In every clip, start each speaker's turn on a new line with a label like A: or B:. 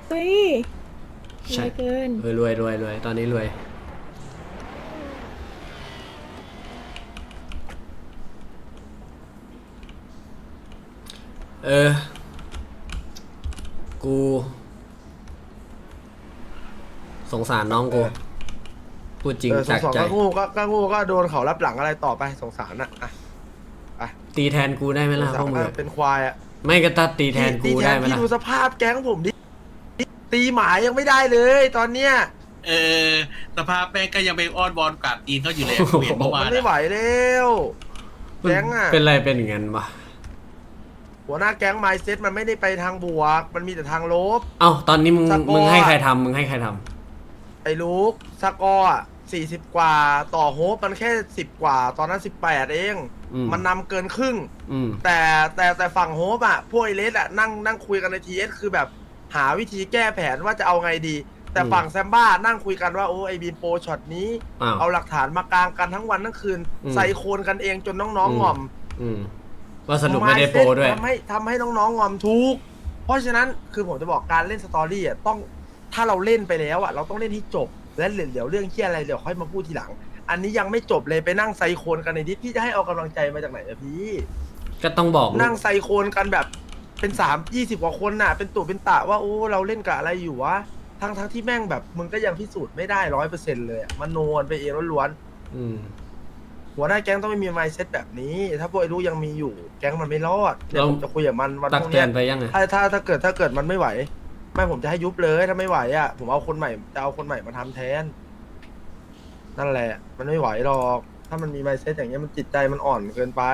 A: เฮ้ยร
B: ใช่
A: วยเกิน
B: รวยตอนนี้รวยเออกูสงสารน้องกูพูดจริง
C: สอง
B: จากใจ
C: ก็งูก็โดนเขารับหลังอะไรต่อไปสงสารอ่ะอ่ะ
B: ตีแทนกูได้ไหม
C: ส
B: ล่ะ
C: ง
B: พ
C: สาว
B: กมึง
C: ร
B: อะ
C: เป็นควายอ่ะ
B: ไม่ก็ตัดตีแทนกูได้ไหม
C: พี่
B: ล่ะ
C: ดูสภาพแก๊งผมดิตีหมายังไม่ได้เลยตอนเนี้ย
D: เออสภาพแม่งก็ยังไปอ้อนวอนกราบตีนเขาอยู่เลยเห็นเมื่อวา
C: มัน นไม่ไหว
D: อะ
C: แล้วแก๊งอ่ะ
B: เป็นไรเป็นอย่างนั้นวะ
C: หัวหน้าแก๊งไมซ์เซ็ตมันไม่ได้ไปทางบวก มันมีแต่ทางลบ
B: เอ้าตอนนี้มึง
C: สกอร์
B: มึงให้ใครทำมึงให้ใครท
C: ไอ้ลูกสกอร์อ่ะ40 กว่าต่อโฮปมันแค่10 กว่า ตอนนั้น18เอง มันนำเกินครึ่ง
B: ำ
C: แต่ฝั่งโฮปอ่ะพวกไอเลสอ่ะนั่งคุยกันในทีเอสคือแบบหาวิธีแก้แผนว่าจะเอาไงดี แต่ฝั่งแซมบ้านั่งคุยกันว่าโอ้ไอบีมโปรช็อตนี้
B: อ้าว
C: เอาหลักฐานมากางกันทั้งวันทั้งคืน ใส่โคนกันเองจนน้องๆงอม
B: ว่าสรุปไม่ได้โปรด้วย
C: ทำให้น้องๆงอมทุก เพราะฉะนั้นคือผมจะบอกการเล่นสตอรี่อ่ะต้องถ้าเราเล่นไปแล้วอ่ะเราต้องเล่นให้จบ และเดี๋ยวเรื่องเที่ยอะไรเดี๋ยวค่อยมาพูดทีหลัง อันนี้ยังไม่จบเลยไปนั่งไซโคนกันในดิสพี่จะให้เอากำลังใจมาจากไหนอะพี่
B: ก็ต้องบอก
C: นั่งไซโคนกันแบบเป็น20 กว่าคนน่ะ เป็นตู่เป็นตะว่าโอ้เราเล่นกับอะไรอยู่วะทั้งที่แม่งแบบมึงก็ยังพิสูจน์ไม่ได้100%เลยอะมันโนนไปเองล้วน
B: อืม
C: ๆหัวหน้าแก๊งต้องไม่มีไมซ์เซ็ตแบบนี้ ถ้าพวกไอ้รู้ยังมีอยู่ แก๊งมันไม่รอดเดี๋ยวผมจะคุยกับมันวัน
B: ตั
C: พ
B: ก
C: รุ่ง
B: เตื
C: เนี้
B: อย นไปยังไง
C: ถ้าเกิดมันไม่ไหว ไม่ผมจะให้ยุบเลยถ้าไม่ไหวอ่ะผมเอาคนใหม่จะเอาคนใหม่มาทำแทน นั่นแหละ มันไม่ไหวหรอก ถ้ามันมีไมซ์เซ็ตอย่างเงี้ยมันจิตใจมันอ่อนเกินไป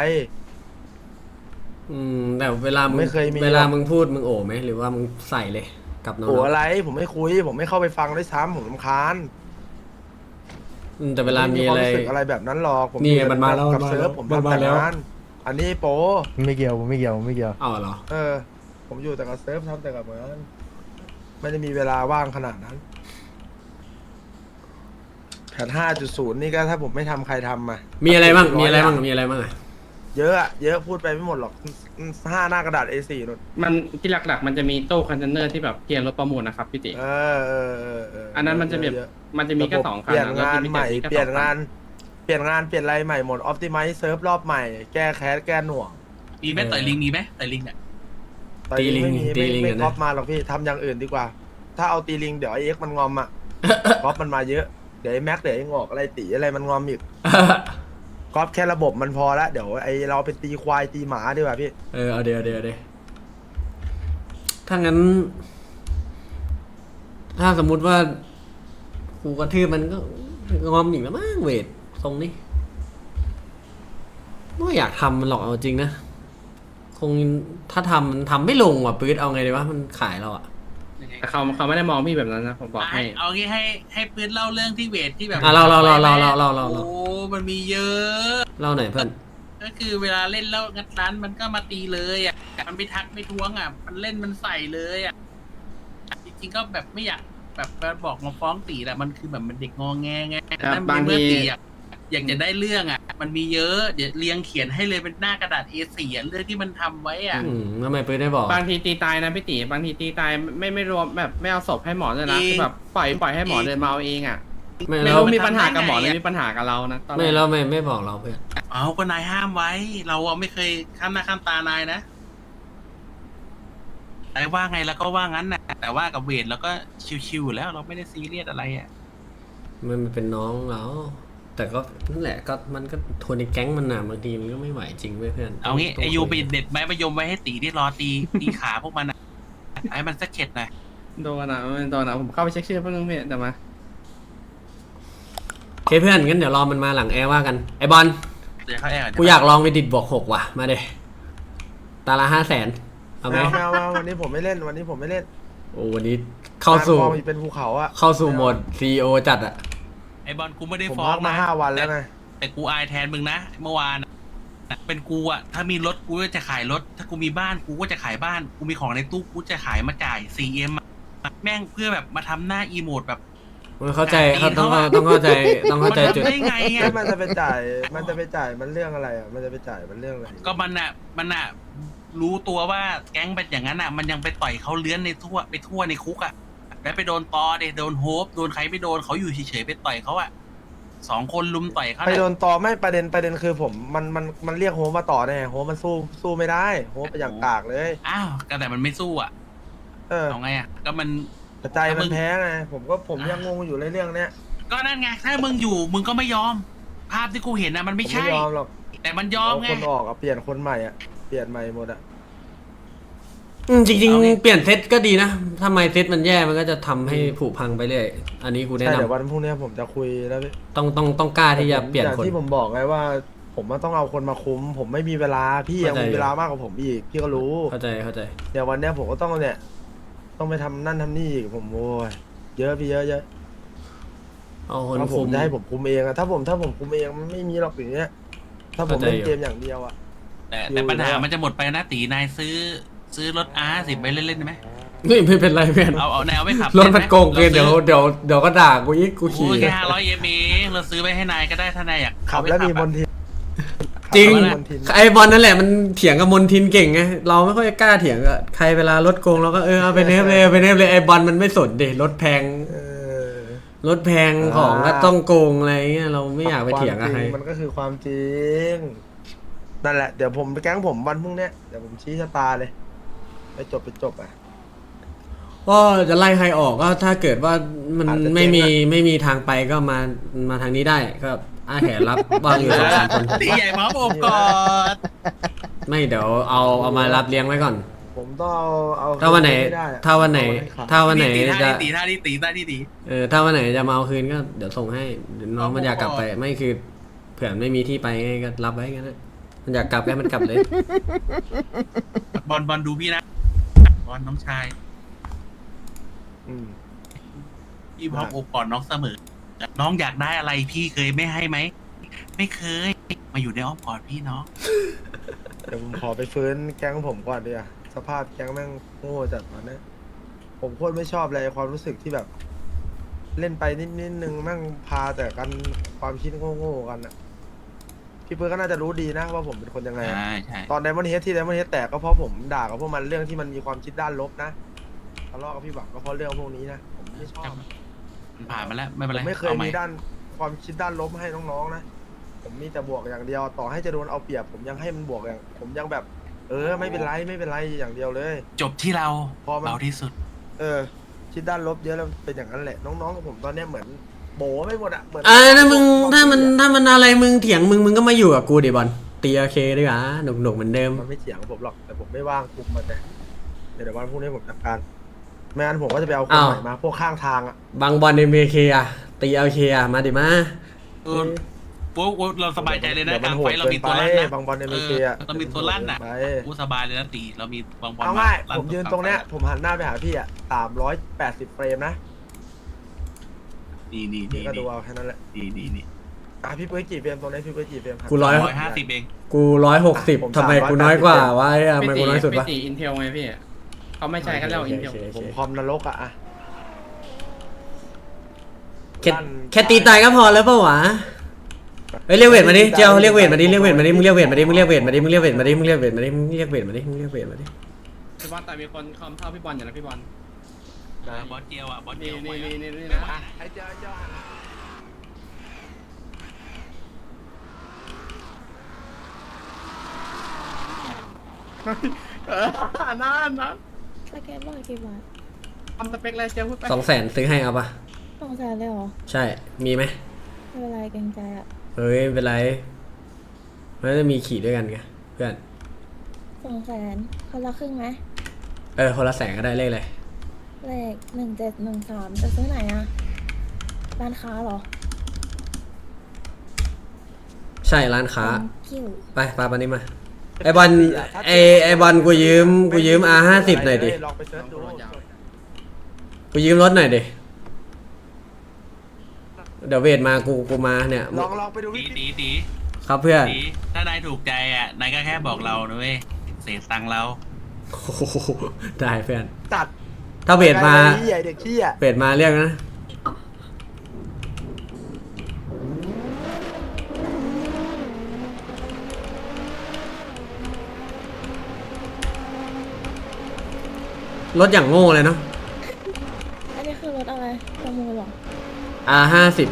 B: แต่เวลามึง
C: ไม่เคยมี
B: เวลามึงพูดมึงโอ้ไหมหรือว่ามึงใส่เลยกับน้อง
C: โอ้อะไรผมไม่คุย ผมไม่เข้าไปฟังด้วยซ้ำผมรำคาญ
B: แต่เวลามีอะไร
C: ผรู้สึกอะไรแบบนั้นหรอกผม
B: นี่
C: อยู่
B: มันมาแล้ว
C: กับ
B: มันมา
C: เซิร์ฟ
B: แล้ว
C: ผม
B: มัน
C: ทำ
B: มา
C: แต่
B: แล้ว
C: งานอันนี้โป
E: ไม่เกี่ยวผมไม่เกี่ยวผมไม่เกี่ยว
B: เอาเหรอ
C: ผมอยู่แต่กับเซิร์ฟทำแต่กับงานไม่ได้มีเวลาว่างขนาดนั้นแผน5.0 นี่ก็ถ้าผมไม่ทำใครทำมา
B: มีอะไรบ้าง
C: 100
B: มีอะไรบ้าง
C: อย่าง
B: มีอะไรบ้างอะ
C: เยอะอะเยอะพูดไปไม่หมดหรอก5 หน้ากระดาษ A4 นู่น
F: มันที่หลักๆ มันจะมีตู้คอนเทนเนอร์ที่แบบเกียร์รถประมูลนะครับพี่ติ
C: อัน
F: นั้นมันจะแบบ
C: เยอะ
F: มันจะมีแค่
C: ระบบ
F: 2 คัน
C: เปลี่ยน
F: อะ
C: งานใหม่
F: รถจะ
C: เปลี่ยน
F: แค่
C: งาน
F: 2
C: เปลี่ยนอะไรใหม่หมดออ t ติ i z e เซิร์ฟรอบใหม่ แก้แคสแก้หน่วง
D: มีไหมต่อยลิงมีไหมต่อยลิงเนี่ย
C: ตอนนี้ไม่มี
B: ตีลิง
C: ไม่
B: อะ
C: ก๊
B: นะ
C: อปมาหรอกพี่ทำอย่างอื่นดีกว่า ถ้าเอาตีลิงเดี๋ยวไอเอ็กมันงอมอ่ะ ก๊อปมันมาเยอะเดี๋ยวไอแม็กเดี๋ยวไองอกอะไรตีอะไรมันงอมอีกก๊อปแค่ระบบมันพอละเดี๋ยวไอเราเป็นตีควายตีหมาดีกว่าพี่
B: เอาเดี๋ยวถ้างั้น ถ้าสมมุติว่ากูกระทืบมันก็งอมอีกแล้วมั้งเวททรงนี้ไม่อยากทำมันหรอกเอาจริงนะ คงถ้าทำไม่ลงว่ะปื๊ดเอาไงดีวะมันขายเราอะ
F: แต่เขาไม่ได้มองพี่แบบนั้นนะผมบอกให้
D: เอางี้ให้ปืนเล่าเรื่องที่เวทที่แบบ
B: เรา
D: โอ้มันมีเยอะ
B: เล่าหน่อยเพื่อน
D: ก็คือเวลาเล่นแล้วงัดร้านมันก็มาตีเลยอ่ะมันไม่ทักไม่ท้วงอ่ะมันเล่นมันใส่เลยอ่ะจริงๆก็แบบไม่อยากแบบบอกมาฟ้องตีแหละมันคือแบบมันเด็กงอแงไง
F: ครับ
D: นั่น
F: บาง
D: เมื่อ
F: ที
D: ตีอยากจะได้เรื่องอ่ะ มันมีเยอะเดี๋ยวเรียงเขียนให้เลยเป็นหน้ากระดาษ A4 อ่ะเรื่องที่มันทำไว้อ่ะ
B: ทำไมปื๊ดได้บอก
F: บางทีตีตายนะพี่ติบางทีตีตายไม่รวมแบบไม่เอาศพให้หมอเลยนะคือแบบปล่อยให้หมอเดินมาเอาเองอ่ะ
B: ไม่
F: ไม่
B: แล้ว
F: รู้มีปัญหากับหมอหรือมีปัญหากับเรานะตอนแร
B: ไม่
F: ก
B: แล้วไม่บอกเราเพื่อน
D: เอาก็นายห้ามไว้ เราอะไม่เคยข้ามหน้าข้ามตานายนะนายว่าไงแล้วก็ว่างั้นนะแต่ว่ากับเวทเราก็ชิวๆอยู่แล้วเราไม่ได้ซีเรียสอะไรอ่ะ
B: มันเป็นน้องเราแต่ก็นั่นแหละก็มันก็ทนในแก๊งมันน่ะบางทีมันก็ไม่ไหวจริงเว้ยเพื่อน
D: เอางี้
B: ต้
D: ไอยู
B: คุ
D: ไปเด็ดไม้มายมไว้ให้ตีที่รอตีขาพวกมันอ่ะให้มันสักเข็ดหน่อย
F: โดนอ่ะโดนอ่ะผมเข้าไปเช็คชื่อแป๊บนึงพี่แต่มา
B: โอเคเพื่อนงั้นเดี๋ยวรอมันมาหลังแอร์ว่ากันไอบอล
D: เดี๋ยวเขาแอบ
B: กูอยากลองไปดิดบวก6ว่ะมาเดตาละ500,000เอาไหม
C: ไม่วันนี้ผมไม่เล่นวันนี้ผมไม่เล่น
B: โอ้วันนี้เข้าสู่
C: การฟอร์มเป็นภูเขาอะ
B: เข้าสู่โหมด CEO จัดอะ
D: ไอบอลกูไม่ได้
C: ผม
D: ฟ้อ
C: พั
D: ง
C: กมา5 วันแล้วไง
D: แต่กูอายแทนมึงนะเมื่อวานเป็นกูอ่ะถ้ามีรถกูก็จะขายรถ ถ้ากูมีบ้านกูก็จะขายบ้าน กูมีของในตู้กูจะขายมาจ่าย 4M อะแม่งเพื่อแบบมาทำหน้าอีโมดแบบ
B: มันเข้าใจเขาต้องเข้าใจจุด
D: ได้ไงอ่ะ
C: มันจะไปจ่ายมันเรื่องอะไรอะมันจะไปจ่ายมันเรื่องอะไร
D: ก็มันอ่ะรู้ตัวว่าแก๊งเป็นอย่างนั้นอ่ะ มันยังไปต่อยเขาเลื้อนในทั่วในคุกอ่ะแล้วไปโดนตอเดโดนโฮปโดนใครไม่โดนเขาอยู่เฉยๆไปต่อยเขาอ่ะ2 คนลุมต่อยเขา
C: ไป
D: น่ะ
C: โดนต่อไม่ประเด็นคือผมมันเรียกโฮมมาต่อแน่โฮมมันสู้ไม่ได้โฮมไปอย่างกากเลย
D: อ้าวก็แต่มันไม่สู้อ่ะ
C: เออ
D: เอาไงอ่ะก็มัน
C: แต่ใจมันแพ้ไงผมยังงงอยู่ในเรื่องเนี้ย
D: ก็นั่นไงถ้ามึงอยู่มึงก็ไม่ยอม ภาพที่กูเห็นนะมัน
C: ผม
D: ไม่
C: ไม่
D: ใช่
C: ยอมหรอก
D: แต่มันยอม
C: เอา
D: ไง
C: คนออกอะเปลี่ยนคนใหม่อะเปลี่ยนใหม่หมดอะ
B: จริง
D: เอาไง
B: ๆเปลี่ยนเซตก็ดีนะทำไมเซตมันแย่มันก็จะทำให้ผุพังไปเรื่อยอันนี้กูแนะ
C: ใช่
B: นำ
C: เดี๋ยววันพรุ่งนี้ผมจะคุยแล้วพี่
B: ต้องกล้าที่จะเปลี่ยน
C: อย่าง
B: คน
C: ที่ผมบอกไงว่า ผมว่าต้องเอาคนมาคุม ผมไม่มีเวลาพี่ยัง
B: เข้าใจ
C: มีเวลามากกว่าผมอีกพี่ก็รู้
B: เข้าใจ
C: เดี๋ยววันเนี้ยผมก็ต้องเนี่ยต้องไปทำนั่นทำนี่อีกผมโอ้ยเยอะพี่เยอะ
B: เอาคน
C: ถ้าผ
B: คุ
C: ม
B: ม
C: จะให้ผมคุมเองอะถ้าผมคุมเองมันไม่มีหรอกอย่างเงี้ยถ้าผม
B: เข้าใจ
C: เล่น
B: อยู่
C: เกมอย่างเดียวอะ
D: แต่ปัญหามันจะหมดไปนะตีนายซื้อรถR10ไปเล่นๆได้ไหม
B: ไม่เป็นไรเพื่อน
D: เอาแนวไม่ขับ
B: รถมันโกงเกินเดี๋ยวก็ด่ากูอีกกูขี่
D: โอ้ยแค่500 เองเราซื้อไปให้นายก็ได้ถ้านายอยาก
C: ขับ
D: เอาไป
C: แล้วมี
D: อะ
C: มนทิน
B: จริง
C: ขับแล้วมีมนทิน
B: ไอบอลนั่นแหละมันเถียงกับมนทินเก่งไงเราไม่ค่อยกล้าเถียงกับใครเวลารถโกงเราก็เอาไปเนฟเลยไอบอลมันไม่สนเดรถแพง
C: เออ
B: รถแพงของก็ต้องโกงอะไรเงี้ยเราไม่อยากไปเถียงกับใคร
C: ความจริมันก็คือความจริงนั่นแหละเดี๋ยวผมไปแก๊งผมวันพรุ่งเนี้ยเดี๋ยวผมชี้ชะตาเลยไปจบอ่ะ
B: ก็จะไล่ใครออกก็ถ้าเกิดว่ามัน
C: อาจจะเจ๊งอะ
B: ไม่มีทางไปก็มาทางนี้ได้ก็อาแขรับบ้างอยู่2-3 คน
D: ตีใหญ่มาอบก่อน
B: ไม่เดี๋ยวเอามารับเลี้ยงไว้ก่อน
C: ผมต้องเอา
B: ถ้าวันไหน
C: ม่ด้อะ
B: ถ้าวันไหน
C: เอาให้ขาด
B: ถ้าวันไหน
D: ตี
B: จะ
D: ท่านี้ตี
B: ถ้าวันไหนจะมาเอาคืนก็เดี๋ยวส่งให้เดี๋ยวน้องมันอยากกลับไปไม่คือเผื่อไม่มีที่ไปไงก็รับไว้กันนะมันอยากกลับก็ให้มันกลับเลย
D: บอลดูพี่นะบอลน้องชาย
C: อืม
D: พี่พร้อมโอบกอดน้องเสมอ น้องอยากได้อะไรพี่เคยไม่ให้ไหม ไม่เคย มาอยู่ในอ้อมกอดพี่น้อง
C: เดี๋ยวผมขอไปฟื้นแก๊งผมก่อนดีกว่าสภาพแก๊งแม่งโง่จัดตอนนี้ผมโคตรไม่ชอบเลยความรู้สึกที่แบบ เล่นไปนิดนึงแม่งพาแต่กันความคิดโง่ๆกันอะพี่เพื่อนก็น่าจะรู้ดีนะว่าผมเป็นคนยังไงอะ
D: ใช่ใช่
C: ตอนไดมอนด์เฮดที่ไดมอนด์เฮดแตกก็เพราะผมด่ากับพวกมันเรื่องที่มันมีความคิดด้านลบนะทะเลาะกับพี่บักก็เพราะเรื่องพวกนี้นะผมไม่ชอบ
D: มันผ่านมาแล้วไม่เป็น
C: ผ
D: ไร
C: มไม่เคย
D: อาให
C: มีด้านความคิดด้านลบให้น้องๆนะผมมีแต่บวกอย่างเดียวต่อให้จะโดนเอาเปรียบผมยังให้มันบวกอย่างผมยังแบบ ไม่เป็นไรอย่างเดียวเลย
D: จบที่เรา
C: พอมัน
D: เบาที่สุด
C: คิดด้านลบเยอะแล้วเป็นอย่างนั้นแหละน้องๆกับผมตอนเนี้ยเหมือนโบไม่หมดอะเหมือน
B: ถ้ามึงถ้ามันอะไรมึงเถียงมึงก็มาอยู่กับกูดิบอลตีโอเคดีกว่าหนุกเหมือนเดิม
C: มันไม่เถียงกับผมหรอกแต่ผมไม่ว่างคุมมันแต่เดี๋ยววันพรุ่งนี้ผมจัดการไม่งั้นผมก็จะไปเอาคนใหม่มาพวกข้างทางอะ
B: บางบอลในเมเคอะตีโอเคอะมาดิมา
D: เออโว้เราสบายใจเลยนะ
C: ดี๋ว
D: กลาง
C: โห
D: ไฟ
C: ด
D: เรามี
C: กิ
D: ตัวลั่นนะ
C: บางบอลในเมเชีย
D: เรามีตัวลั่นน่ะ
C: ไป
D: กูสบายเลยนะตีเรามีบางบอล
C: เอาง่าย
D: ลั่
C: ผมยืนตรงเนี้ยผมหันหน้าไปหาพี่อะ380 เฟรมนะ
D: นี่
C: พี่ก็ดูเอาแค่นั้นแหละ
D: นี่
C: พี่เปิ้ลกี่เฟรมตรงนี้พี่เปิ้ลกี่เฟรมครับ
B: กู
D: 150เอง
B: กู160ทำไมกูน้อยกว่าวะทำไมกูน้อยสุดวะ
F: พี่ตีอินเทลไงพี่เขาไม่ใช่ก็เรียกว่าอินเทล
C: ผมคอมนรกอะ
B: แค่ตีตายก็พอแล้วเปล่าวะเฮ้ยเรียกเวทมาดิเจ้าเรียกเวทมาดิมึงเรียกเวทมาดิมึงเรียกเวทมาดิมึงเรียกเวทมาดิมึงเรียกเวทมาดิมึงเรียกเวทมาดิ
F: พี่บอลแต่มีคนคอมเท่าพี่บอลอยู่นะพี่บอล
D: บอสเจียวอ่ะบอสเจี
F: นี่
D: ยว
F: นี่นะ
C: ไอ้เจ้า
F: นั่น
A: สแกนบอกกี่บาท
F: ทำสเปคอะไรเจ้าพูดไป
B: 200,000ซื้อให้เอาปะ
A: 200,000เลยเหรอ
B: ใช่มีไหม
A: ไม่เป็นไรเกรงใจอ่ะ
B: เฮ้ยไม่เป็นไรมันจะมีขี่ด้วยกันไงเพื่อน
A: 200,000คนละครึ่งไหม
B: คนละ100,000ก็ได้เลขเลย
A: เลข1713จะซื้อไหนอ่ะร้านค้าเหรอ
B: ใช่ร้านค้า
A: คิว
B: ไปปานี้มาไอบอลไอบอลกูยืมR50หน่อยดิ
C: ลองไปเซิร์ชดู
B: กูยืมรถหน่อยดิเดี๋ยวเวทมากูมาเนี่ย
C: ลองไปดูวิธี
D: ตี
B: ครับเพื่อน
D: ถ้านายถูกใจอ่ะนายก็แค่บอกเรานะเว้ยเสียตังค์เรา
B: โอ้โหได้เพื่อน
C: ตัด
B: ถ้าเวทมา
C: ใหญ่เด็กขี้อ่ะ
B: เวทมาเรียกนะรถอย่างโง่เลยเนาะ
A: อันนี้คือรถอะไรประมูลเหรอ
B: R50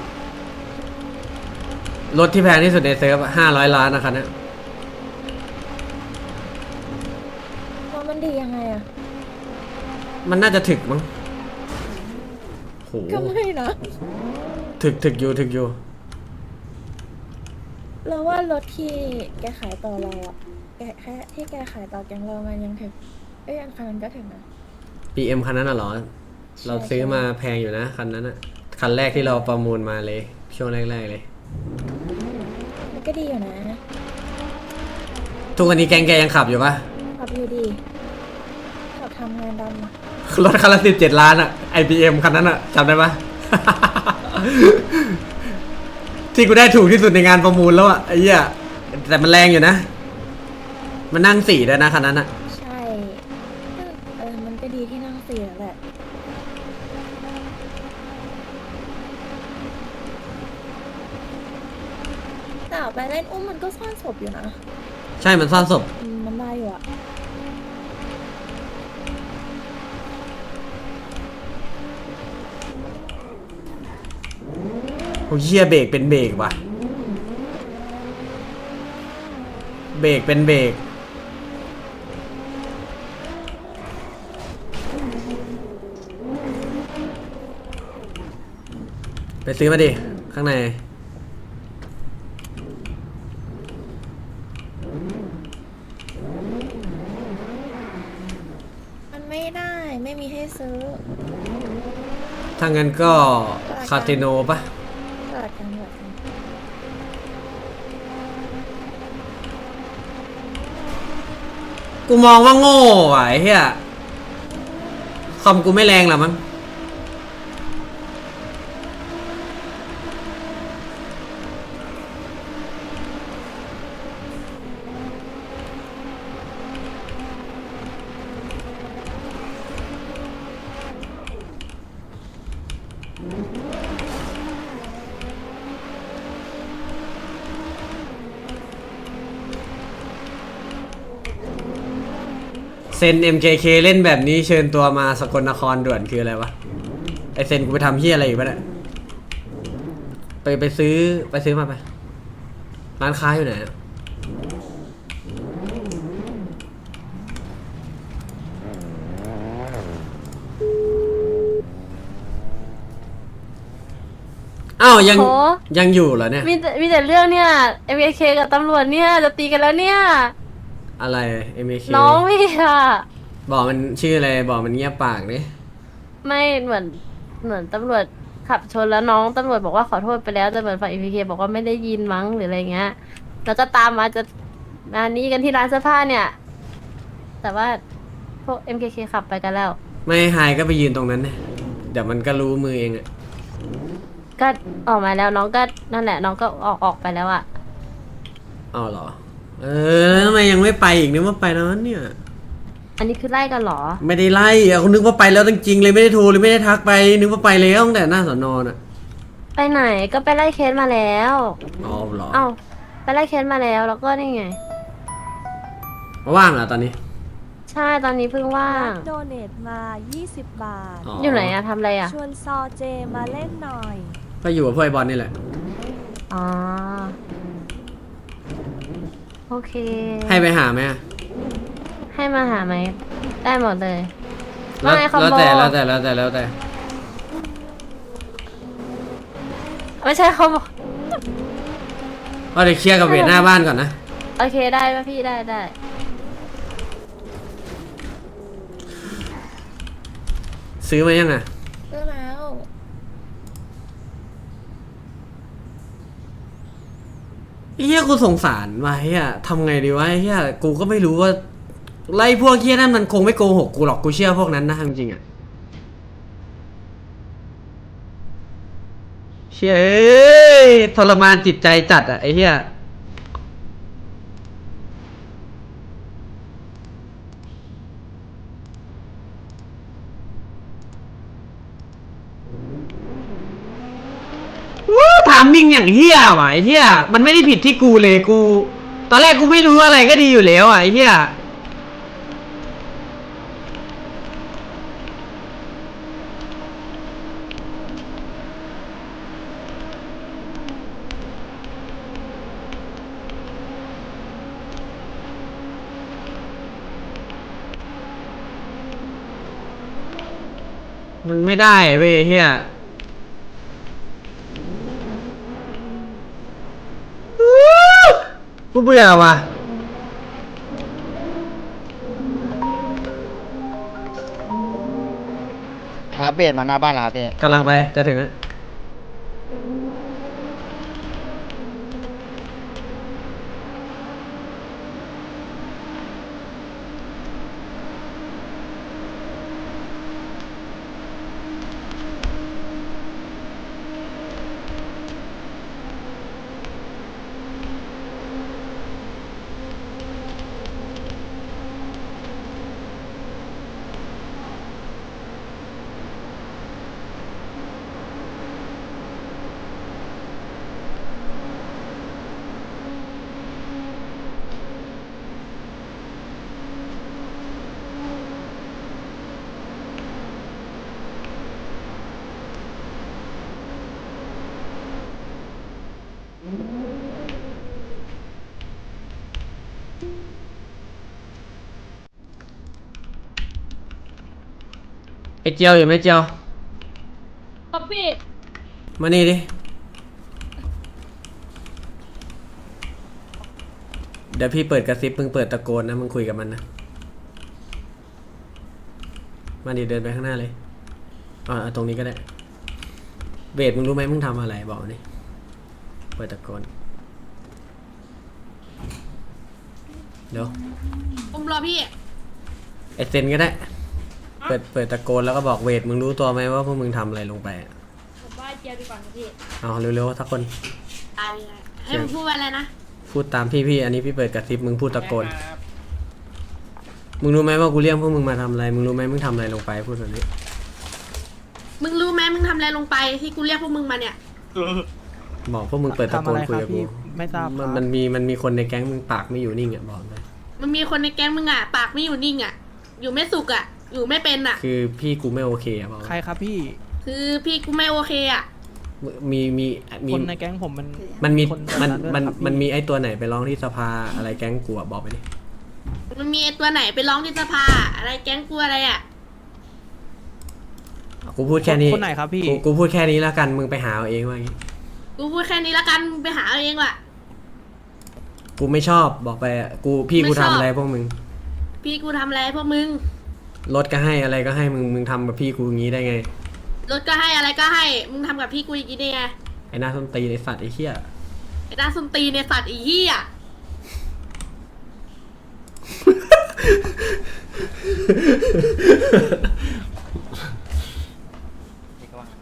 B: รถที่แพงที่สุดในเซิร์ฟ500 ล้านนะครับเนี่ย
A: ว่ามันดียังไงอะ
B: มันน่าจะถึกมั้งโห
A: ก็ไม่นะ
B: ถึกอยู่
A: เราว่ารถที่แกขายต่อเราอะแค่ที่แกขายต่อแกงเรามันยังถึงอันคันนั้นก็ถึงนะ
B: BM คันนั้นน่ะเหรอ เราซื้อมาแพงอยู่นะคันนั้นอะคันแรกที่เราประมูลมาเลย ช่วงแรกๆเลย
A: มันก็ดีอยู่นะ
B: ทุกวันนี้แกงแกยังขับอยู่ปะ
A: ขับอยู่ดีขับทำงานดำอะ
B: รถคันละ17 ล้านอะ IBM คันนั้นอะจำได้ปะ ที่กูได้ถูกที่สุดในงานประมูลแล้วอะไอ้เหี้ยแต่มันแรงอยู่นะ มันนั่ง4ด้วยนะคันนั้นอะ
A: ใช่มันก็ดีที่นั่งเสียแหละแต่เอาไปเล่นอุ้มมันก็ซ่อนศพอยู่นะ
B: ใช่มันซ่อนศพ
A: มันได้อยู่อะ
B: โอ้เหี้ยเบรกเป็นเบรกว่ะ เบรกเป็นเบรกไปซื้อมาดิ ข้างใน
A: มันไม่ได้ไม่มีให้ซื้อ
B: ถ้างั้นก็คาสิโนปะ
A: ตลาดกลางตลาดกลาง
B: กูมองว่าโง่ว่ะไอ้เหี้ยคอมกูไม่แรงหรอมั้งเซน MKK เล่นแบบนี้เชิญตัวมาสกลนครด่วนคืออะไรวะ ไอเซนกูไปทำเฮียอะไรอีกปะเนี่ยไปซื้อมาไป ร้านค้าอยู่ไหนอะอ้าวยัง
G: โห
B: ยังอยู่เหรอเนี่ย
G: มีแต่เรื่องเนี่ย MK กับตำรวจเนี่ยจะตีกันแล้วเนี่ย
B: อะไร MKK
G: น้องพี่อะ
B: บอกมันชื่ออะไรบอกมันเงียบปากดิ
G: ไม่เหมือนตำรวจขับชนแล้วน้องตำรวจบอกว่าขอโทษไปแล้วแต่เหมือนฝ่าย MK บอกว่าไม่ได้ยินมั้งหรืออะไรเงี้ยแล้วก็ตามมาจะมานี้กันที่ร้านเสื้อผ้าเนี่ย แต่ว่าพวก MKK ขับไปกันแล้ว
B: ไม่ไฮก็ไปยืนตรงนั้นเนี่ยเดี๋ยวมันก็รู้มือเองอะ
G: ก็ออกมาแล้วน้องก็นั่นแหละ น้องก็ออกไปแล้วอะ
B: อ้าวเหรอ แล้วทำไมยังไม่ไปอีกนึกว่าไปแล้วเนี่ย
G: อันนี้คือไล่กันเหรอ
B: ไม่ได้ไล่อะเขานึกว่าไปแล้วจริงๆเลยไม่ได้โทรเลยไม่ได้ทักไป นึกว่าไปแล้วตั้งแต่หน้าสอนอน่ะ
G: ไปไหนก็ไปไล่เคสมาแล้ว
B: อ๋อเหรอ
G: เอ้าไปไล่เคสมาแล้วแล้วก็นี่ไง
B: ว่างเหรอตอนนี้
G: ใช่ตอนนี้เพิ่งว่าง
H: โดเนทมา 20 บาท
G: อยู่ไหนอะทำอะไรอะ
H: ชวนซอเจมาเล่นหน่อย
B: ก็อยู่กับพวกไอ้บอลนี่แหละ
G: อ๋อ โอเค
B: ให้ไปหาไหมอะ
G: ให้มาหาไหม ได้หมดเลย
B: แล้ว
G: ไม่คอมโบ
B: แล้วแต่
G: ไม่ใช่คอมโบ
B: ก็เดี๋ยวเคลียร์กับเวทหน้าบ้านก่อนนะ
G: โอเคได้ป่ะพี่ได้
B: ซื้อมายังอะ
A: ซื้อแล้ว
B: เฮียกูสงสารว่ะเฮียทำไงดีวะเฮียกูก็ไม่รู้ว่าไล่พวกเฮียนั่นมันคงไม่โกหกกูหรอกกูเชื่อพวกนั้นนะจริงๆอะเชี่ยเอ้ยทรมานจิตใจจัดอะไอ้เฮียถามมิ่งอย่างเฮียว่ะไอ้เฮียมันไม่ได้ผิดที่กูเลยกู ตอนแรกกูไม่รู้อะไรก็ดีอยู่แล้วอ่ะไอ้เฮียมันไม่ได้เว้ยเฮียกูเบื่อว่ะ
I: ครับเบสมาหน้าบ้านแล้วครับพี่
B: กำลังไปจะถึงแล้ว ไอเจียวอยู่ไหมเจียว
G: ครับพี่
B: มานี่ดิ เดี๋ยวพี่เปิดกระซิบมึงเปิดตะโกนนะมึงคุยกับมันนะ มาดิเดินไปข้างหน้าเลยเอาตรงนี้ก็ได้ เบสมึงรู้ไหมมึงทำอะไรบอกนี่เปิดตะโกน เดี๋ยว
G: ผมรอพี่
B: ไอเซนก็ได้ เปิดตะโกนแล้วก็บอกเวทมึงรู้ตัวไหมว่าพวกมึงทำอะไรลงไปอะ
G: ผมว่าเจียวดีกว่านะพี่
B: เอาเร็วๆทักคน
G: ตายเลยให้ผมพูดว่าอะไรนะ
B: พูดตามพี่อันนี้พี่เปิดกระซิบมึงพูดตะโกน มึงรู้ไหมว่ากูเรียกพวกมึงมาทำอะไร มึงรู้ไหมมึงทำอะไรลงไปพูดแบบนี้
G: มึงรู้ไหมมึงทำอะไรลงไปที่กูเรียกพวกมึงมาเนี่ย
B: บอกพวกมึงเปิดตะโกนคุยกับกู
E: ไม่ทราบครับ
B: มันมีคนในแก๊งมึงปากไม่อยู่นิ่งอ่ะบอกเลย
G: มันมีคนในแก๊งมึงอ่ะ ปากไม่อยู่นิ่งอ่ะ อยู่ไม่สุกอ่ะ อยู่ไม่เป็นอ่ะ
B: คือพี่กูไม่โอเคอ่ะบอก
E: ใครครับพี่
G: คือพี่กูไม่โอเคอ่ะ
B: มี
E: คนในแก๊งผมมัน
B: มันมี
E: คน
B: มัน
E: แบบด้วย
B: มัน
E: ครับพี่
B: มันมีไอ้ตัวไหนไปร้องที่สภาอะไรแก๊งกูอ่ะบอกไปดิ
G: มันมีไอ้ตัวไหนไปร้องที่สภาอะไรแก๊งกูอะไรอ่ะ
B: กูพูดแค่นี้
E: คนไหนครับพี่
B: กูพูดแค่นี้แล้วกันมึงไปหาเอาเองว่าอย่างงี้
G: กูพูดแค่นี้ละกันมึงไปหาเอาเองว่ะ
B: กูไม่ชอบบอกไปอะพี่กู
G: ไม่ชอบ
B: ทำอะไรพวกมึง
G: พี่กูทำอะไรพวกมึง
B: รถก็ให้อะไรก็ให้มึงทำกับพี่กูอย่างงี้ได้ไง
G: รถก็ให้อะไรก็ให้ มึงทำกับพี่กูอย่างนี้ได้ไง
B: ไอ้หน้าส้นตีนไอ้สัตว์ไอ้เหี้ย
G: ไอ้ด้านส้นตีนในสัตว์ไอ้เหี้ย
I: พี่ก็ว่างนะ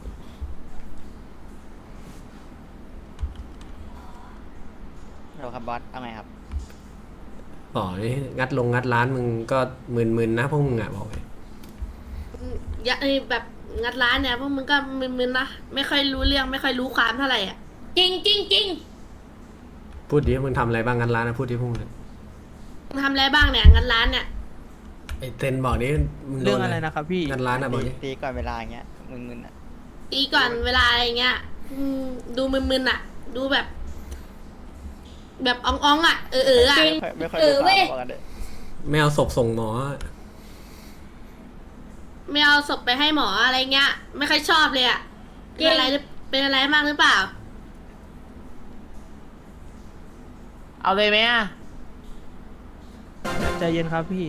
I: เราครับบอสเอาไงครับ
B: บอกนี่งัดร้านมึงก็หมื่นนะพวกมึงอ่ะบอกเลย
G: อย่าแบบงัดร้านเนี่ยพวกมึงก็มึนๆนะ ไม่ค่อยรู้เรื่องไม่ค่อยรู้ความเท่าไหร่อ่ะ จริงจริงจริง
B: พูดดิมึงทำอะไรบ้างงัดร้านนะพูดดิพวกมึง
G: มึงทำอะไรบ้างเนี่ยงัดร้านเนี่ย
B: ไอ้เซนบอกดิมึงโด
E: เรื่องอะไรนะครับพี่
B: งัดร้านอ่ะบอกดิ
I: ตีก่อนเวลาอย่างเงี้ยมึนๆอ่ะ
G: ตีก่อนเวลาอะไรเงี้ยดูมึนๆอ่ะ ดูแบบ แบบอ่องๆอ่ะอ่ะ
I: ไม่ค่อยรู้ความบอกกันเลย
B: ไม่เอาศพส่งหมอ
G: ไม่เอาศพไปให้หมออะไรเงี้ย ไม่ค่อยชอบเลยอ่ะเป็นอะไรมากหรือเปล่า
J: เอาเลยไหมอ่ะ
E: ใจเย็นครับพี่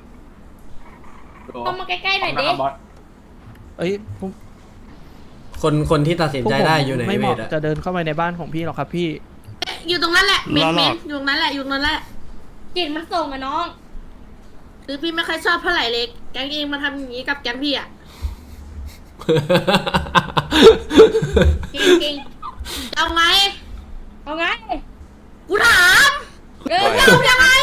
G: เข้ามาใกล้ๆหน่อยดิ
E: เอ้ยผม
B: คนที่ตัดสิน
E: พวก
B: ใจ
E: ผม
B: ได้อยู่ไหน
E: ไม่เห
B: เว
E: มาะ
B: ทอะ
E: จะเดินเข้าไปในบ้านของพี่หรอกครับพี่
G: อยู่ตรงนั้นแหละเมนอยู่ตรงนั้นแหละอยู่ตรงนั้นแหละจิตมันส่งอะน้อง คือพี่ไม่ค่อยชอบเท่าไหร่เลยแก๊งเองมาทำอย่างนี้กับแก๊งพี่อ่ะ จริงๆเอาไง เอาไง กูถามเอายังไง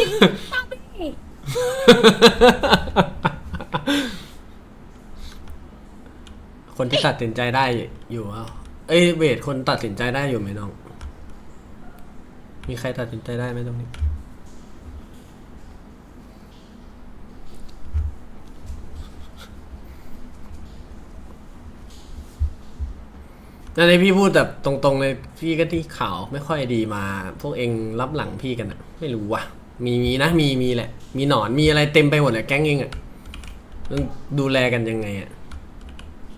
B: คนที่ตัดสินใจได้อยู่อ่ะเอ้ยเวทคนตัดสินใจได้อยู่ไหมน้อง มีใครตัดสินใจได้ไหมตรงนี้ นั่นเลยพี่พูดแบบตรงๆเลยพี่ก็ที่ข่าวไม่ค่อยดีมา พวกเองรับหลังพี่กันอะไม่รู้ว่ะ มีนะมีแหละ มีหนอนมีอะไรเต็มไปหมดเลยแก๊งเองอะต้องดูแลกันยังไงอะ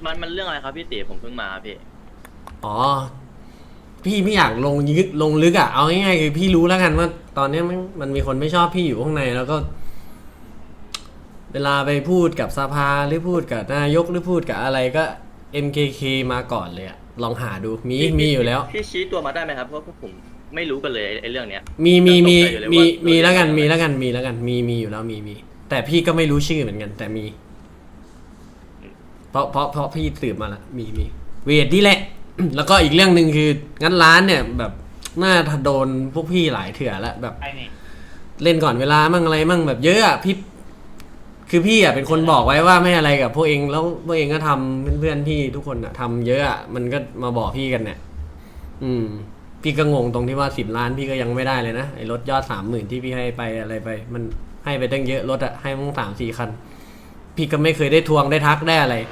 I: มันเรื่องอะไรครับพี่ตีผมเพิ่งมาพี่
B: อ๋อ พี่ไม่อยากลงลึกอ่ะ เอาง่ายๆคือพี่รู้แล้วกันว่า ตอนนี้มันมีคนไม่ชอบพี่อยู่ข้างในแล้วก็ เวลาไปพูดกับสภาหรือพูดกับนายกหรือพูดกับอะไรก็ MKK มาก่อนเลยอะลองหาดูมีอยู่แล้ว
I: พี่ชี้ตัวมาได้ไหมครับเพราะพวกผมไม่รู้กันเลยไอ้เรื่องเนี้ย
B: มีแล้วกันมีอยู่แล้วมีแต่พี่ก็ไม่รู้ชื่อเหมือนกัน แต่มี เพราะพี่สืบมาละมีเวทนี่แหละ แล้วก็อีกเรื่องหนึ่งคืองั้นร้านเนี่ยแบบน่าโดนพวกพี่หลายเถื่อแล้วแบบ
D: ไอ้นี่
B: เล่นก่อนเวลามั่งอะไรมั่งแบบเยอะอะพี่คือพี่อะเป็นคนบอกไว้ว่าไม่อะไรกับพวกเองแล้วพวกเองก็ทำเพื่อนๆพี่ทุกคนอะทำเยอะอะมันก็มาบอกพี่กันเนี่ยพี่ก็งงตรงที่ว่า10 ล้านพี่ก็ยังไม่ได้เลยนะไอ้รถยอด30,000ที่พี่ให้ไปอะไรไป มันให้ไปตั้งเยอะรถอะให้มึง3-4 คัน พี่ก็ไม่เคยได้ทวงได้ทักได้อะไร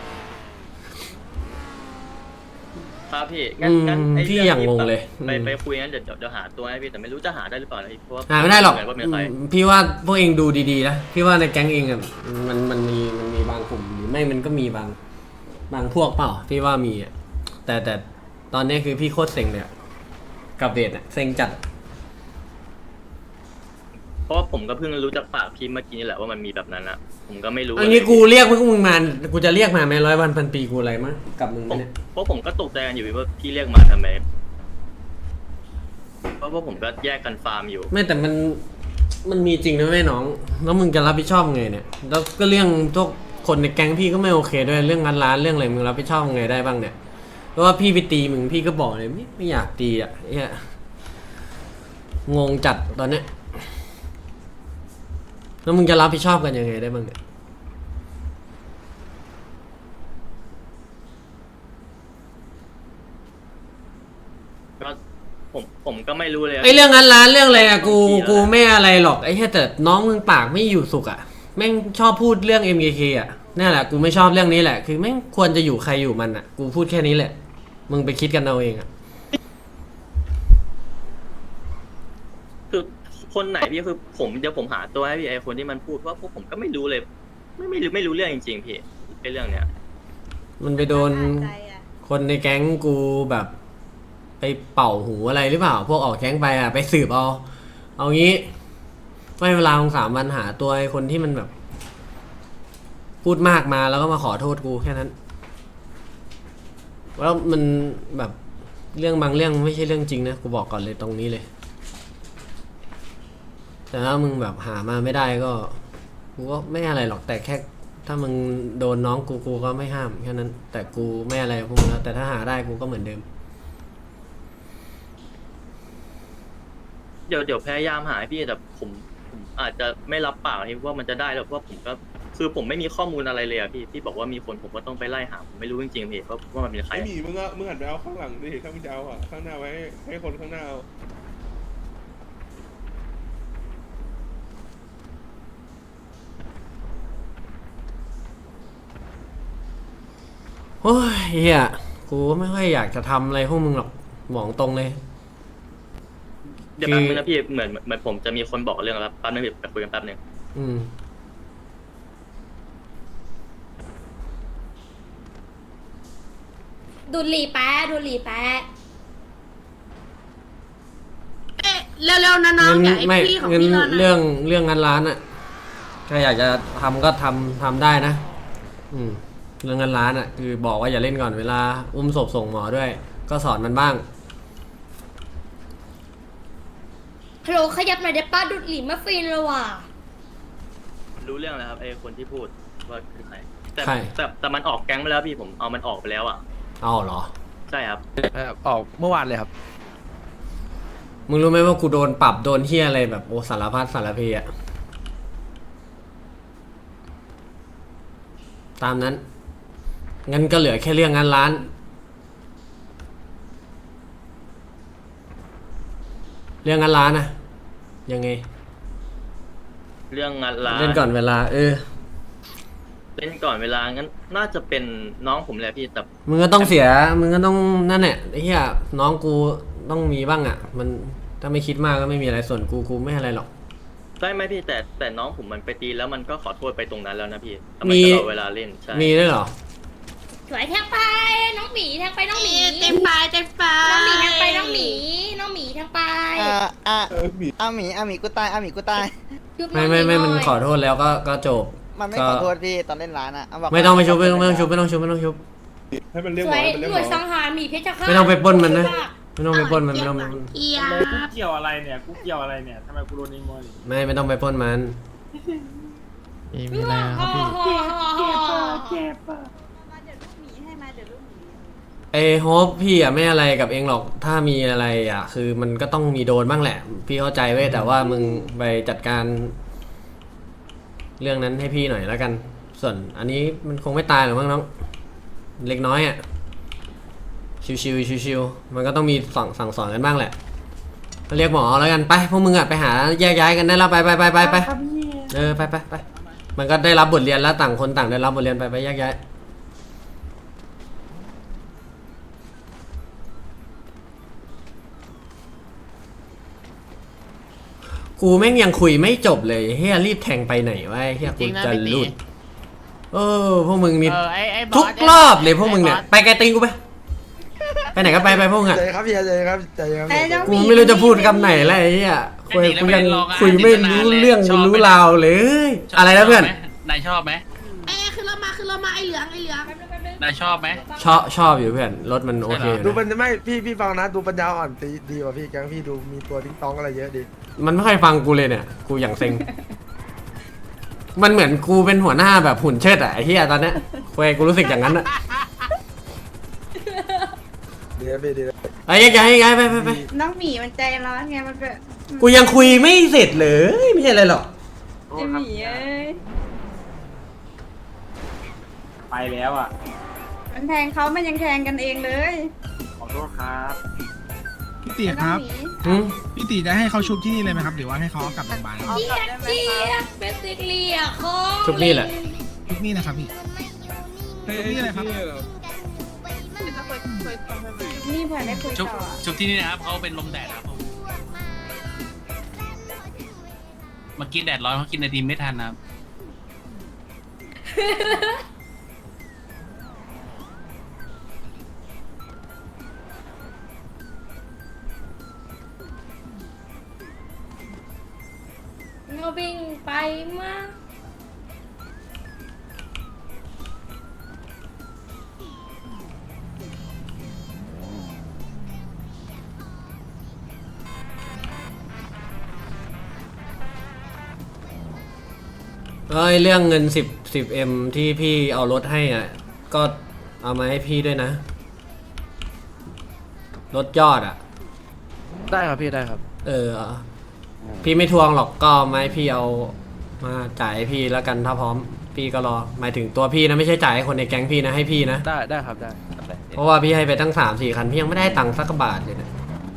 I: ครับพี่งั้นไอ้
B: พี่
I: เรื่อง
B: อย่าง
I: นี้
B: งงเลย
I: ไปคุยงั้นเดี๋ยวหาตัวให้พี่แต่ไม่รู้จะหาได้หรือเปล่านะพี่เพราะว่า
B: หาไม่ได้หรอก
I: ว่าเป็นใคร
B: พี่ว่าพวกเองดูดีๆนะพี่ว่าในแก๊งเองอะมันมีบางกลุ่มหรือไม่มันก็มีบางพวกเปล่าพี่ว่ามีอะแต่ตอนนี้คือพี่โคตรเซ็งเลยอะกับเวทอะเซ็งจัด
I: เพราะว่าผมก็เพิ่งรู้จากปากพี่เมื่อกี้นี่แหละว่ามันมีแบบนั้นอะผมก็ไม่รู้
B: อันนี้กูเรียกพวกมึงมากูจะเรียกมาไหม100 วันพันปีกูอะไรมั้งกับมึง
I: ผม
B: เนี่ย
I: เพราะผมก็ตกใจกันอยู่ว่าพี่เรียกมาทำไมเพราะว่าผมก็แยกกันฟาร์มอยู่
B: ไม่แต่มันมีจริงนะแม่น้องแล้วมึงจะรับผิดชอบไงเนี่ยแล้วก็เรื่องทุกคนในแก๊งพี่ก็ไม่โอเคด้วยเรื่องงานร้านเรื่องอะไรมึงรับผิดชอบไงได้บ้างเนี่ยเพราะว่าพี่ไปตีมึงพี่ก็บอกเลยไม่อยากตีอ่ะเนี่ยงงจัดตอนเนี้ยแล้วมึงจะรับผิดชอบกันยังไงได้บ้างเนี่ย
I: ก็ผมก็ไม่รู้เลย
B: ไอเรื่องงานร้านเรื่องอะไรอะกูไม่อะไรหรอกไอ้แค่แต่น้องมึงปากไม่อยู่สุขอะแม่งชอบพูดเรื่อง MKK อะนั่นแหละกูไม่ชอบเรื่องนี้แหละคือแม่งควรจะอยู่ใครอยู่มันอะกูพูดแค่นี้แหละมึงไปคิดกันเอาเองอะ
I: คือคนไหนพี่คือเดี๋ยวผมหาตัวให้พี่ไอคนที่มันพูดเพราะพวกผมก็ไม่รู้เลย ไม่รู้เรื่องจริงๆพี่ไอเรื่องเนี้ย
B: มันไปโดนคนในแก๊งกูแบบไปเป่าหูอะไรหรือเปล่าพวกออกแก๊งไปอะไปสืบเอางี้ไม่เวลาของ3 วันหาตัวไอ้คนที่มันแบบ พูดมากมาแล้วก็มาขอโทษกูแค่นั้นแล้วมันแบบเรื่องบางเรื่องไม่ใช่เรื่องจริงนะกูบอกก่อนเลยตรงนี้เลยแต่ถ้ามึงแบบหามาไม่ได้ก็กูก็ไม่อะไรหรอกแต่แค่ถ้ามึงโดนน้องกูก็ไม่ห้ามแค่นั้นแต่กูไม่อะไรพวกมึงแล้วแต่ถ้าหาได้กูก็เหมือนเดิม
I: เดี๋ยวพยายามหาให้พี่แต่ผมอาจจะไม่รับปากที่ว่ามันจะได้แล้วเพราะว่าผมก็คือผมไม่มีข้อมูลอะไรเลยอะพี่บอกว่ามีคนผมก็ต้องไปไล่หาผมไม่รู้จริงๆพี่ว่ามันเป็นใคร
K: ไม่มีมึงหันไปเอาข้างหลังดิถ้ามึงจะเอาอ่ะข้างหน้าไว้ให้คนข้างหน้าเอา
B: โอ้ยเฮียกูก็ไม่ค่อยอยากจะทำอะไรพวกมึงหรอกบอกตรงเลย
I: เดี๋ยวแป๊บนึงนะพี่เหมือนผมจะมีคนบอกเรื่องแล้วแป๊บนึงไปคุยกันแป๊บนึง
G: ดูดหลีแป๊ะดูดหลีแป๊ะ
B: เร็วๆนะน้องอย่าไอ้พี่ของพี่เรื่องงานร้านอะถ้าอยากจะทำก็ทำได้นะเรื่องงานร้านอะคือบอกว่าอย่าเล่นก่อนเวลาอุ้มศพส่งหมอด้วย ก็สอนมันบ้าง
G: ฮัลโหลขยับหน่อยได้ป้าดูดหลีมาฟินเลยว่ะ
I: รู้เรื่องแล้วครับไอ้คนที่พูดว่าคือใคร
B: ใคร
I: แต่มันออกแก๊งไปแล้วพี่ผมเอามันออกไปแล้วอ่ะ
B: เอาเหรอ
I: ใช่ครับ
E: ออกเมื่อวานเลยครับ
B: มึงรู้ไหมว่ากูโดนปรับโดนเฮียอะไรแบบโอสารพัดสารเพอะตามนั้นงั้นก็เหลือแค่เรื่องงานร้านนะยังไง
I: เรื่องงานร้าน
B: เล่นก่อนเวลา
I: เล่นก่อนเวลางั้นน่าจะเป็นน้องผมแหละพี่แต่
B: มึงก็ต้องเสียมึงก็ต้องนั่นแหละไอ้เหี้ยน้องกูต้องมีบ้างอ่ะมันถ้าไม่คิดมากก็ไม่มีอะไรส่วนกูไม่อะไรหรอก
I: ได้ไหมพี่แต่น้องผมมันไปตีแล้วมันก็ขอโทษไปตรงนั้นแล้วนะพี่ทำไมตลอดเวลาเล่นใช่
B: มีด้วยเหรอ
G: สวยแทงไปน้องหมีแทงไปน้องหมี
J: เต็มไปเต็มไป
G: น้องหมีแทงไปน้องหมีน้องหมีแทงไป
K: อาหมีกูตาย
B: ไม่มันขอโทษแล้วก็จบ
L: มันไม่ขอโทษพี่ตอนเล่นร้านอะ
B: ไม่ต้องไปชุบไม่ต้องชุบ
K: ให้มันเรียก
G: ส
K: หม
G: ว
K: อย ให้มันเรียก
G: ห
K: ห
G: น่
K: ม
G: วย
K: อ
G: สังหารหมีเพชรฆาต
B: ไม่ต้องไปปล้นมันนะไม่ต้องไปปล้นมันไม่ต้อง
J: เอีย
L: กูเกี่ยวอะไรเนี่ยกูเกี่ยวอะไรเนี่ยทำไมกูโดนนิมนต์
B: ไม่ต้องไปปล้นมัน
G: มีอะไรครับพี่
B: ไอ้โฮปพี่อะไม่อะไรกับเองหรอกถ้ามีอะไรอะคือมันก็ต้องมีโดนบ้างแหละ พี่เข้าใจเว้ยแต่ว่ามึงไปจัดการเรื่องนั้นให้พี่หน่อยแล้วกัน ส่วนอันนี้มันคงไม่ตายหรอกมั้งน้องเล็กน้อยอะชิวๆมันก็ต้องมีสั่งสอนกันบ้างแหละก็เรียกหมอแล้วกันไปพวกมึงอะไปหาแยกย้ายกันได้แล้วไปไปมันก็ได้รับบทเรียนแล้วต่างคนต่างได้รับบทเรียนไปแยกย้ายกูแม่งยังคุยไม่จบเลยเฮียรีบแทงไปไหนวะเฮียกูจะหลุดพวกมึงนี่
J: ไอ้บอส
B: ทุกรอบเลยพวกมึงเนี่ยไปไกลตีนกูไปไหนก็ไปพวกมึงอะ
C: ใจครับพี่ใจครับใจครับ
B: กูไม่รู้จะพูดคำไหนแล้วไอ้เหี้ยกูยังคุยไม่รู้เรื่องรู้ราวเลย อะไรนะเพื่อน
D: นายชอบไหม
J: คือเรามาไอ้เหลือง
D: นายชอบไหม
B: ชอบอยู่เพื่อนรถมันโอเค
C: ดูมันไม่พี่ฟังนะดูปัญญาอ่อนดีกว่าพี่แกงพี่ดูมีตัวทิ้งต้องอะไรเยอะดี
B: มันไม่ค่อยฟังกูเลยเนี่ยกูอย่างเซ็งมันเหมือนกูเป็นหัวหน้าแบบหุ่นเชิดอะไอ้เหี้ยตอนเนี้ยกูรู้สึกอย่างนั้นอะ
C: ดีนะพี่ดีนะ
B: ไอ้ย้ายไป
J: น้องหมีมันใจร้อนไงมันแบบ
B: กูยังคุยไม่เสร็จเลยไม่ใช่อะไรหรอก
J: ไอ้หมีเอ้ย
L: ไปแล้วอ่ะ
J: มันแทงเขามันยังแทงกันเองเลย
L: ขอโทษครับ
M: พี่ตีครับ
B: หืม
M: พี่ตีจะให้เขาชุบที่นี่เลยไหมครับ หรือว่าให้เขาเอากลับโรงพยาบาล
G: เจี๊ยบเป็นสิเลียคอ
B: ชุบนี่แหละ
M: ชุบนี่นะครับพี่ชุบนี่เลยครับ
J: นี่เผื่อได้คุย
D: ชุบ
J: ต่อ
D: ชุบที่นี่นะครับเขาเป็นลมแดดครับผมเมื่อกี้แดดร้อนเขากินไอติมไม่ทันนะครับ
G: เงาวิ่งไปมา
B: เรื่องเงิน10M ที่พี่เอารถให้อ่ะก็เอามาให้พี่ด้วยนะลดยอดอ่ะ
E: ได้ครับพี่ได้ครับ
B: พี่ไม่ทวงหรอกก็เอามาให้พี่เอามาจ่ายให้พี่แล้วกันถ้าพร้อมพี่ก็รอหมายถึงตัวพี่นะไม่ใช่จ่ายให้คนในแก๊งพี่นะให้พี่นะ
E: ได้ครับได้
B: เพราะว่าพี่ให้ไปตั้ง3-4 คันพี่ยังไม่ได้ตังค์สักบาทเลยนะ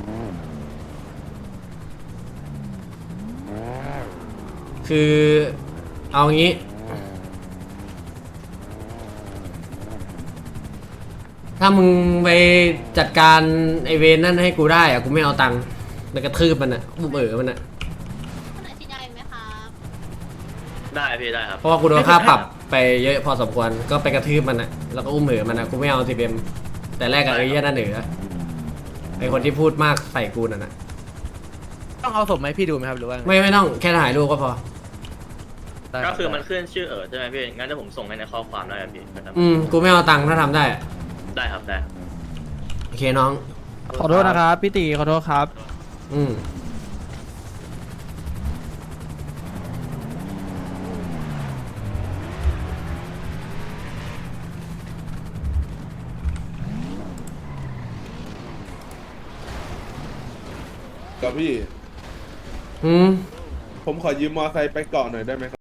B: คือเอางี้ถ้ามึงไปจัดการไอเวนนั่นให้กูได้อะกูไม่เอาตังค์แล้วกระทืบมันอะอุ้มมันอะ
I: ได้พี่ได้ครับ
B: เพราะว่ากูโดนค่าปรับไปเยอะพอสมควรก็ไปกระทืบมันอะแล้วก็อุ้มมันอะกูไม่เอา10Mแต่แรกกับไอ้เหี้ยนั่นไอคนที่พูดมากใส่กูนั่นนะ
E: ต้องเอาศพไหมาให้พี่ดูไหมครับหรือว่าไง
B: ไม่ต้องแค่ถ่ายรูปก็พอ
E: ได้
I: ก็
E: รับ
I: คือมันขึ้นชื่อใช่ไหมพี่งั้นเดี๋ยวผมส่งให้ในข้อความได้ครับพี่นะครับ
B: กูไม่เอาตังค์ถ้าทำได้อะ
I: ได้ครับได้
B: โอเคน้อง
E: ขอโทษนะครับพี่ตีขอโทษครับ
K: กับพี่
B: อืม
K: ผมขอยืมมอไซค์ไปเกาะหน่อยได้ไหมครับ